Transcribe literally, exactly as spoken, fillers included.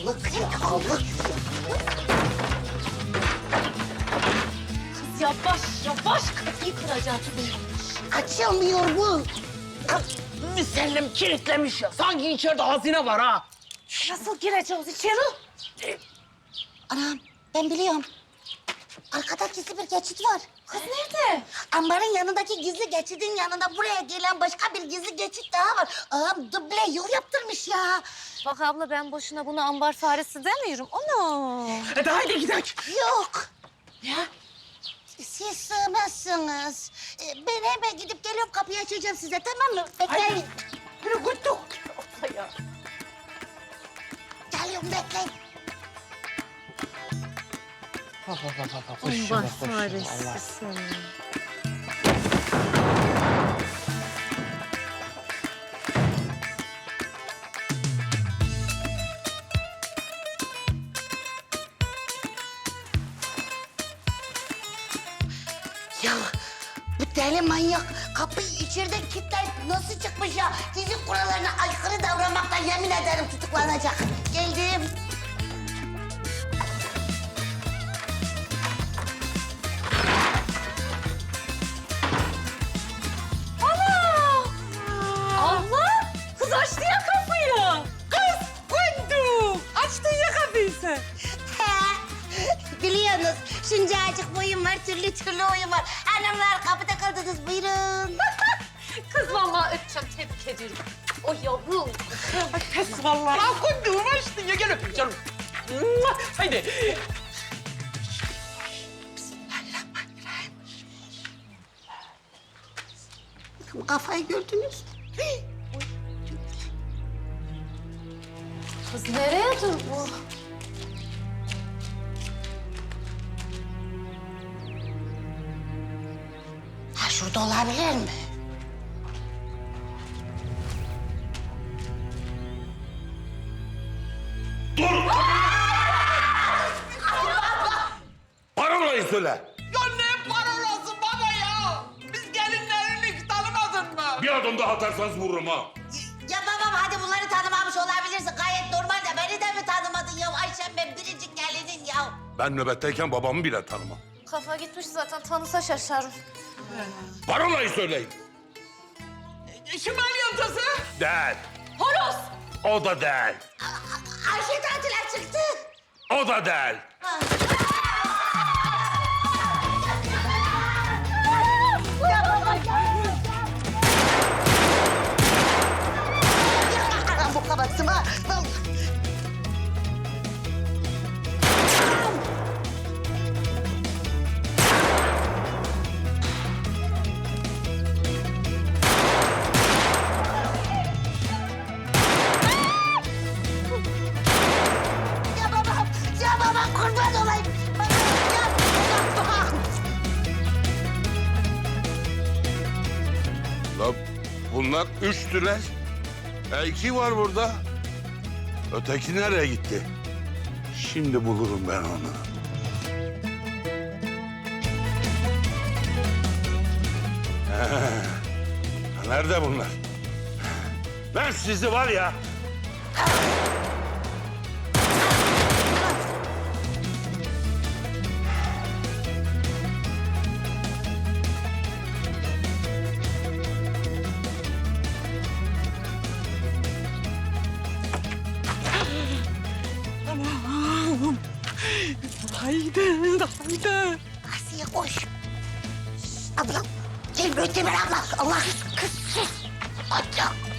Dağlık ya, dağlık. Kız yavaş yavaş kapıyı kıracaksın. Açılmıyor bu. Müsellim kilitlemiş ya. Sanki içeride hazine var ha. Nasıl gireceğiz içeri? Anam, ben biliyorum. Arkada gizli bir geçit var. Kız nerede? Ambarın yanındaki gizli geçidin yanında buraya gelen başka bir gizli geçit daha var. Ağam duble yol yaptırmış ya. Bak abla ben boşuna bunu ambar faresi demiyorum. Onu. Hadi haydi gidelim. Yok. Ya? Siz sığmazsınız. Ee, Ben hemen gidip geliyorum, kapıyı açacağım size, tamam mı? Bekleyin. Yürü kutu. Ya. Geliyorum, bekleyin. Bak bak bak bak. Ambar faresi seni. Ya bu deli manyak kapıyı içeride kilitleyip nasıl çıkmış ya? Fizik kurallarına aykırı davranmaktan yemin ederim tutuklanacak. Geldim. Abla kız açtı ya kapıyı. Kız kundu. Açtın ya kapıyı sen. He, biliyorsunuz şuncacık boyum var, türlü türlü oyun var. Hanımlar kapıda kaldınız, buyurun. Kız vallahi öpeceğim, tebrik ediyorum. O yavrum. Pes vallahi. Lan kunduğum açtın ya. Gel öpeyim canım. Mua! Haydi. Kafayı gördünüz. Kız nereye dur bu? Ha, şurada olabilir mi? Parolayı söyle. Ya ne parolası baba ya? Biz gelinlerini tanımadın mı? Bir adım daha atarsanız vururum ha. Ya babam, hadi bunları tanımamış olabilirsin. Gayet normal de beni de mi tanımadın ya? Ayşem, ben biricik gelinin ya. Ben nöbetteyken babamı bile tanımam. Kafa gitmiş zaten, tanısa şaşarım. Parolayı söyleyin. Şimal yıldızı. Değil. Horoz! O da değil. Ayşe tatile çıktı. O da değil. Ya baba gel. Ya bu kabatsın ha. Ya babam, ya babam kurban olayım. Babam, ya babam. La bunlar üçtüler. E iki var burada. Öteki nereye gitti? Şimdi bulurum ben onu. He, nerede bunlar? Ben sizi var ya... Haydi, haydi. Asiye koş. Şşt, ablam. Gel Möteber abla. Allah kız sus. Abla.